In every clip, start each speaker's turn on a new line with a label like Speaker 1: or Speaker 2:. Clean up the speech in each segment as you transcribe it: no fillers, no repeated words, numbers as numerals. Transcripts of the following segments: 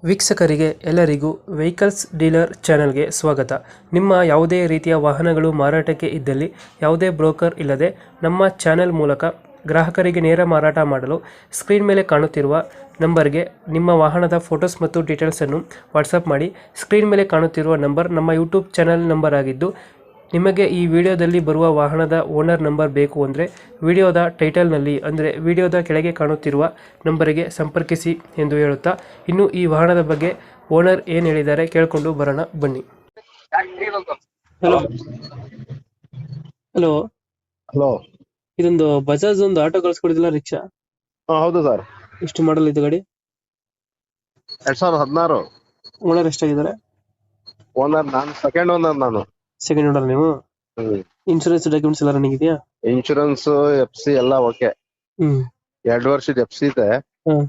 Speaker 1: ವೀಕ್ಷಕರಿಗೆ ಎಲ್ಲರಿಗೂ vehicles dealer ಚಾನೆಲ್ಗೆ ಸ್ವಾಗತ. ನಿಮ್ಮ ಯಾವುದೇ ರೀತಿಯ ವಾಹನಗಳು ಮಾರಾಟಕ್ಕೆ ಇದ್ದಲ್ಲಿ ಯಾವುದೇ ಬ್ರೋಕರ್ ಇಲ್ಲದೆ ನಮ್ಮ ಚಾನೆಲ್ ಮೂಲಕ ಗ್ರಾಹಕರಿಗೆ ನೇರ ಮಾರಾಟ ಮಾಡಲು ಸ್ಕ್ರೀನ್ ಮೇಲೆ ಕಾಣುತ್ತಿರುವ ನಂಬರ್ಗೆ ನಿಮ್ಮ ವಾಹನದ ಫೋಟೋಸ್ ಮತ್ತು ಡೀಟೇಲ್ಸನ್ನು ವಾಟ್ಸಪ್ ಮಾಡಿ. ಸ್ಕ್ರೀನ್ ಮೇಲೆ ಕಾಣುತ್ತಿರುವ ನಂಬರ್ ನಮ್ಮ ಯೂಟ್ಯೂಬ್ ಚಾನೆಲ್ ನಂಬರ್ ಆಗಿದ್ದು, ನಿಮಗೆ ಈ ವಿಡಿಯೋದಲ್ಲಿ ಬರುವ ವಾಹನದ ಓನರ್ ನಂಬರ್ ಬೇಕು ಅಂದರೆ ವಿಡಿಯೋದ ಟೈಟಲ್ನಲ್ಲಿ ಅಂದರೆ ವಿಡಿಯೋದ ಕೆಳಗೆ ಕಾಣುತ್ತಿರುವ ನಂಬರಿಗೆ ಸಂಪರ್ಕಿಸಿ ಎಂದು ಹೇಳುತ್ತಾ, ಇನ್ನು ಈ ವಾಹನದ ಬಗ್ಗೆ ಓನರ್ ಏನು ಹೇಳಿದ್ದಾರೆ ಕೇಳಿಕೊಂಡು ಬರೋಣ ಬನ್ನಿ. Hello hello
Speaker 2: hello.
Speaker 1: ಇದೊಂದು ಬಜಾಜ್ ಒಂದು ಆಟೋ ಕಳ್ಸ್ಕೊಡಿದಿಲ್ಲ, ರಿಕ್ಷಾ.
Speaker 2: ಹೌದು ಸರ್.
Speaker 1: ಎಷ್ಟು ಮಾಡಲ್ ಇದು ಗಾಡಿ?
Speaker 2: 2016.
Speaker 1: ಓನರ್ ಎಷ್ಟಾಗಿದ್ದಾರೆ?
Speaker 2: ಓನರ್ ನಾನು ಸೆಕೆಂಡ್ ಓನರ್ ನಾನು.
Speaker 1: ಸೆಕೆಂಡ್ ಓನರ್ ನೀವು? ಇನ್ಶೂರೆನ್ಸ್ ಡಾಕ್ಯುಮೆಂಟ್ಸ್ ಎಲ್ಲ ರನ್ನಿಂಗ್ ಇದೆಯಾ?
Speaker 2: ಇನ್ಶೂರೆನ್ಸ್ FC ಎಲ್ಲ ಓಕೆ. 2 ವರ್ಷದ FC ಇದೆ.
Speaker 1: ಹ್ಮ್.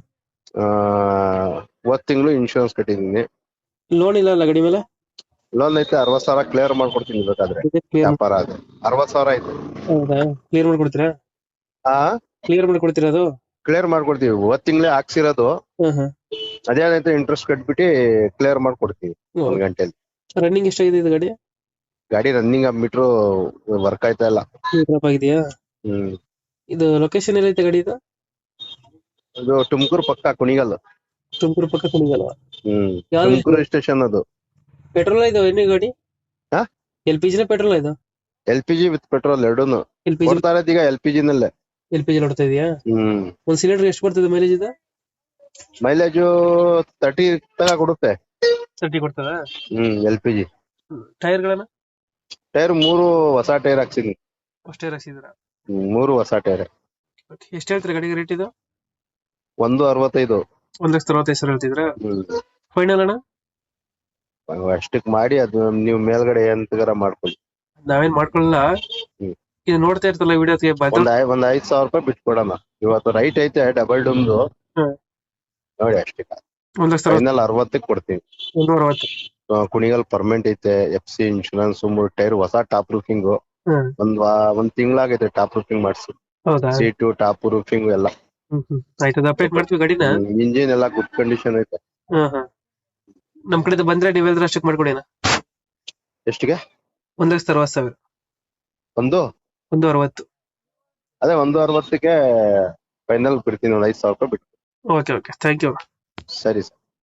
Speaker 2: ತಿಂಗಳು ಇನ್ಶೂರೆನ್ಸ್ ಕಟ್ಟಿದೀನಿ.
Speaker 1: ಲೋನ್ ಇಲ್ಲ ಅಲ್ಲ ಗಾಡಿ ಮೇಲೆ?
Speaker 2: ಲೋನ್ ಐತೆ 60,000 ಕ್ಲಿಯರ್ ಮಾಡ್ಕೊಡ್ತೀನಿ ಬೇಕಾದ್ರೆ. ವ್ಯಾಪಾರ ಅದು 60,000 ಐತೆ.
Speaker 1: ಹೌದಾ? ಕ್ಲಿಯರ್ ಮಾಡ್ಕೊಡ್ತೀರಾ? ಕ್ಲಿಯರ್ ಮಾಡ್ಕೊಡ್ತೀರಾ ಅದು?
Speaker 2: ಕ್ಲಿಯರ್ ಮಾಡ್ಕೊಡ್ತೀವಿ. ತಿಂಗಳೇ ಹಾಕ್ಸಿರೋದು. ಅದೇನೈತೆ ಇಂಟ್ರೆಸ್ಟ್ ಕಟ್ಬಿಟ್ಟು ಕ್ಲಿಯರ್ ಮಾಡ್ಕೊಡ್ತೀವಿ 1 ಗಂಟೆಲಿ.
Speaker 1: ರನ್ನಿಂಗ್ ಎಷ್ಟಾಗಿದೆ ಇದು ಗಾಡಿ?
Speaker 2: ಗಾಡಿ ರನ್ನಿಂಗ್ ಮೀಟರ್ ವರ್ಕ್ ಆಯ್ತಾ ಇಲ್ಲ.
Speaker 1: ಆಗಿದೆಯಾ? ಇದು ಲೊಕೇಶನ್ ಎಲ್ಲೈತೆ ಗಾಡಿ ಇದು?
Speaker 2: ಇದು ತುಮಕೂರು ಪಕ್ಕ ಕುಣಿಗಲ್.
Speaker 1: ತುಮಕೂರು ಪಕ್ಕ ಕುಣಿಗಲ್.
Speaker 2: ತುಮಕೂರು ಸ್ಟೇಷನ್ ಅದು.
Speaker 1: ಪೆಟ್ರೋಲ್ ಇದು ಎಣ್ಣೆ ಗಾಡಿ? LPG ನ ಪೆಟ್ರೋಲ್ ಇದು?
Speaker 2: LPG ವಿತ್ ಪೆಟ್ರೋಲ್ ಎರಡೂನು ಕೊಡ್ತಾ ಇರೋದು ಈಗ. LPG ನಲ್ಲೇ.
Speaker 1: LPG ನೋಡ್ತಾ ಇದೀಯಾ? ಒಂದ್ ಸಿಲಿಂಡರ್ ಎಷ್ಟು ಬರ್ತದೆ ಮೈಲೇಜ್ ಇದು?
Speaker 2: ಮೈಲೇಜ್ 30 ತನಕ ಕೊಡುತ್ತೆ.
Speaker 1: 30 ಕೊಡ್ತದ?
Speaker 2: LPG.
Speaker 1: ಟೈರ್ ಗಳನ್ನ?
Speaker 2: ಟೈರ್ 3 ಹೊಸ ಟೈರ್ ಹಾಕ್ಸಿದೀನಿ.
Speaker 1: ಫಸ್ಟ್ ಟೈರ್ ಹಾಕ್ಸಿದ್ರ?
Speaker 2: 3 ಹೊಸ ಟೈರ್.
Speaker 1: ಎಷ್ಟು ಹೇಳ್ತೀರಾ ಗಾಡಿಗೆ ರೇಟ್ ಇದು?
Speaker 2: 165.
Speaker 1: 1,65,000 ಹೇಳ್ತಿದ್ರ? ಫೈನಲ್ ಅಣ್ಣ?
Speaker 2: ಅಷ್ಟಕ್ಕೆ ಮಾಡಿ ಅದು ನೀವು ಮೇಲ್ಗಡೆ ಎಂತಗಾರ ಮಾಡ್ಕೊಳ್ಳಿ.
Speaker 1: ನಾವೇನ್ ಮಾಡ್ಕೊಳ್ಳಲ್ಲ. ಇದು ನೋಡ್ತಾ ಇರ್ತಲ್ಲ ವಿಡಿಯೋಗೆ
Speaker 2: ಒಂದ್ 5,000 ರೂಪಾಯಿ ಬಿಟ್ಕೊಡೋಣ. ಇವತ್ತು ರೈಟ್ ಐತೆ ಡಬಲ್ ಡಮ್ದು ನೋಡಿ ಅಷ್ಟಕ್ಕೆ. 1,60,000 ಕೊಡ್ತೀನಿ.
Speaker 1: 160.
Speaker 2: ಕುಣಿಗಲ್ ಪರ್ಮನೆಂಟ್ ಐತೆ. FC ಇನ್ಶೂರೆನ್ಸ್ 3 ಟೈರ್ ಹೊಸ ಟಾಪ್ ರೂಫಿಂಗ್. ಒಂದ್ ತಿಂಗಳಾಗೈತೆ ಟಾಪ್ ರೂಫಿಂಗ್ ಮಾಡಿಸಿ. ಸೀಟು ಟಾಪ್ ರೂಫಿಂಗ್ ಎಲ್ಲ
Speaker 1: ಆಯ್ತದ. ಅಪ್ಡೇಟ್ ಮಾಡ್ತೀವಿ ಗಾಡಿನ.
Speaker 2: ಇಂಜಿನ್ ಎಲ್ಲ ಗುಡ್ ಕಂಡೀಷನ್ ಐತೆ.
Speaker 1: ನಮ್ ಕಡೆ ಬಂದ್ರೆ ನೀವ್ ಹೇಳಿದ್ರೆ ಅಷ್ಟಕ್ಕೆ ಮಾಡ್ಕೊಡಿ.
Speaker 2: ಎಷ್ಟಿಗೆ?
Speaker 1: 1,60,000. 160.
Speaker 2: ಅದೇ 160ಕ್ಕೆ ಫೈನಲ್ ಬಿಡ್ತೀನಿ. 5,000 ರೂಪಾಯಿ ಬಿಟ್ಟು.
Speaker 1: Okay thank you.
Speaker 2: ಸರಿ ಸರ್.